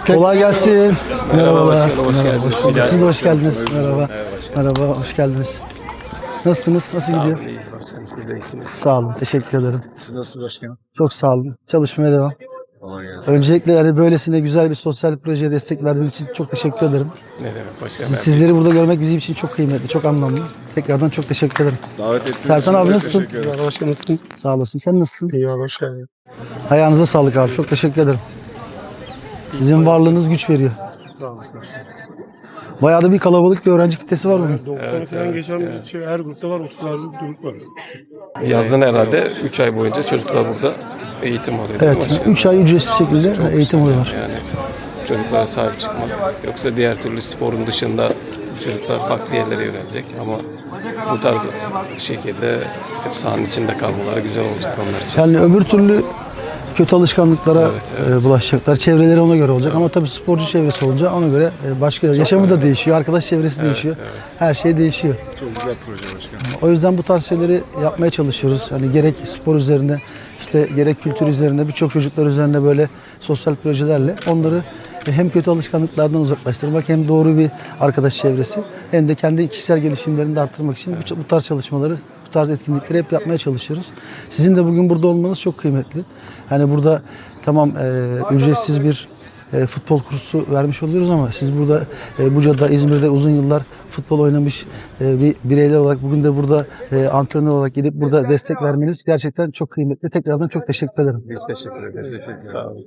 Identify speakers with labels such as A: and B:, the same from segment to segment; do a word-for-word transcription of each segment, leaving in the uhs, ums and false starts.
A: Kolay gelsin.
B: Merhaba başkanım, hoş
A: Merhaba,
B: geldiniz.
A: hoş bulduk.
B: Bir daha
A: Siz de hoş
B: hoş geldiniz.
A: geldiniz. Merhaba. Merhaba, hoş geldiniz. Nasılsınız? Nasıl
B: Sağ
A: gidiyor?
B: olun, iyiyiz başkanım. Siz de iyisiniz.
A: Sağ olun, teşekkür ederim.
B: Siz nasılsınız başkanım?
A: Çok sağ olun. Çalışmaya devam.
B: Kolay gelsin.
A: Öncelikle yani böylesine güzel bir sosyal projeye destek verdiğiniz için çok teşekkür ederim.
B: Ne demek başkanım?
A: Siz- Sizleri burada görmek bizim için çok kıymetli, çok anlamlı. Tekrardan çok teşekkür ederim.
C: Davet ettiğiniz
A: Sertan
C: için
A: abi
C: de
A: nasılsın?
C: teşekkür ederiz.
B: Merhaba başkanım, nasılsın?
A: Sağ olasın. Sen nasılsın?
B: İyi abi, hoş geldin.
A: Ayağınıza sağlık abi. Çok teşekkür ederim. Sizin varlığınız güç veriyor.
B: Sağ olasın başkanım.
A: Bayağı da bir kalabalık bir öğrenci kitlesi var bugün.
D: doksan
B: Evet,
D: falan
B: evet,
D: geçen
B: evet.
D: şey, her grupta var, otuzlar grup var.
B: Yazın herhalde üç ay boyunca çocuklar burada eğitim alıyor değil mi
A: Evet,
B: başkanım?
A: üç ay ücretsiz şekilde eğitim alıyorlar.
B: Yani çocuklara sahip çıkmak. Yoksa diğer türlü sporun dışında bu çocuklar farklı yerlere yönelecek ama bu tarz şekilde hep sahanın içinde kalmaları güzel olacak onlar için.
A: Yani öbür türlü kötü alışkanlıklara
B: Evet, evet.
A: e, bulaşacaklar. Çevreleri ona göre olacak ama tabii sporcu çevresi olunca ona göre e, başka yaşamı da değişiyor, arkadaş çevresi değişiyor.
B: evet.
A: Her şey değişiyor.
C: Çok güzel proje başkanım.
A: O yüzden bu tarz şeyleri yapmaya çalışıyoruz. Hani gerek spor üzerinde, işte gerek kültür üzerinde, birçok çocuklar üzerinde böyle sosyal projelerle onları hem kötü alışkanlıklardan uzaklaştırmak hem doğru bir arkadaş çevresi hem de kendi kişisel gelişimlerini de arttırmak için bu- bu tarz çalışmaları, bu tarz etkinlikleri hep yapmaya çalışıyoruz. Sizin de bugün burada olmanız çok kıymetli. Hani burada tamam e, ücretsiz bir e, futbol kursu vermiş oluyoruz ama siz burada e, Buca'da, İzmir'de uzun yıllar futbol oynamış e, bir bireyler olarak bugün de burada e, antrenör olarak gelip burada destek vermeniz gerçekten çok kıymetli. Tekrardan çok teşekkür ederim.
B: Biz teşekkür ederiz. Sağ olun.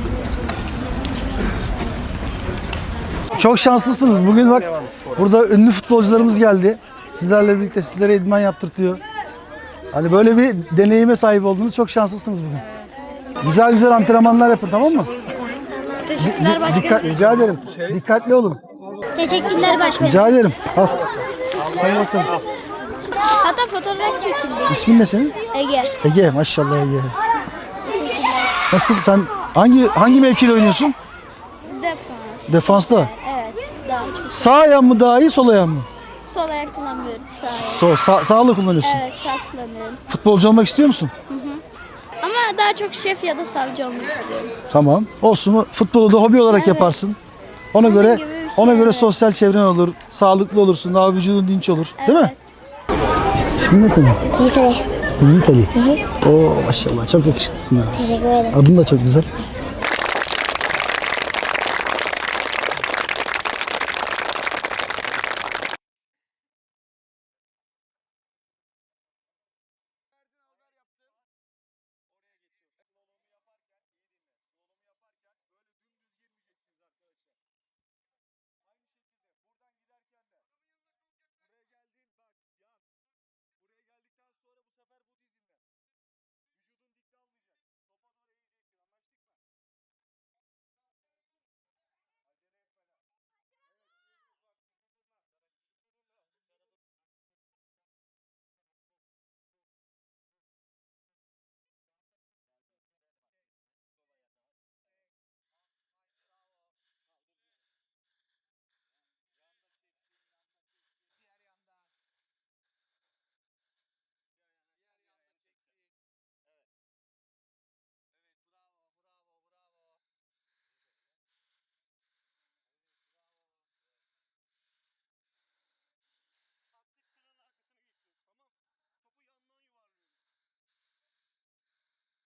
A: Çok şanslısınız. Bugün bak burada ünlü futbolcularımız geldi. Sizlerle birlikte sizlere idman yaptırtıyor. Hani böyle bir deneyime sahip oldunuz. Çok şanslısınız bugün. Güzel güzel antrenmanlar yapın, tamam mı?
E: Teşekkürler başkanım.
A: Dikkat, rica ederim. Dikkatli olun.
E: Teşekkürler başkanım.
A: Rica ederim. Al. Hadi bakalım.
E: Hatta fotoğraf çekildi.
A: İsmin ne senin?
E: Ege.
A: Ege. Maşallah Ege. Nasıl, sen hangi hangi mevkide oynuyorsun?
E: Defans.
A: Defansta.
E: Evet. Daha çok.
A: Sağ ayağın mı daha iyi, sol ayağın mı?
E: Sol ayak kullanmıyorum. Sağ ayak.
A: Sol, sağ, sağlı kullanıyorsun.
E: Evet, sağ kullanıyorum.
A: Futbolcu olmak istiyor musun?
E: Ama daha çok şef ya da savcı olmak istiyorum.
A: Tamam. Olsun. Futbolu da hobi olarak yaparsın. Ona göre
E: gibi bir şey,
A: ona göre
E: evet.
A: sosyal çevren olur, sağlıklı olursun, daha vücudun dinç olur. Değil mi? İsmin ne senin?
E: Yiğit Ali.
A: Yiğit Ali. Oo maşallah çok yakışıklısın ya.
E: Teşekkür ederim.
A: Adın da çok güzel.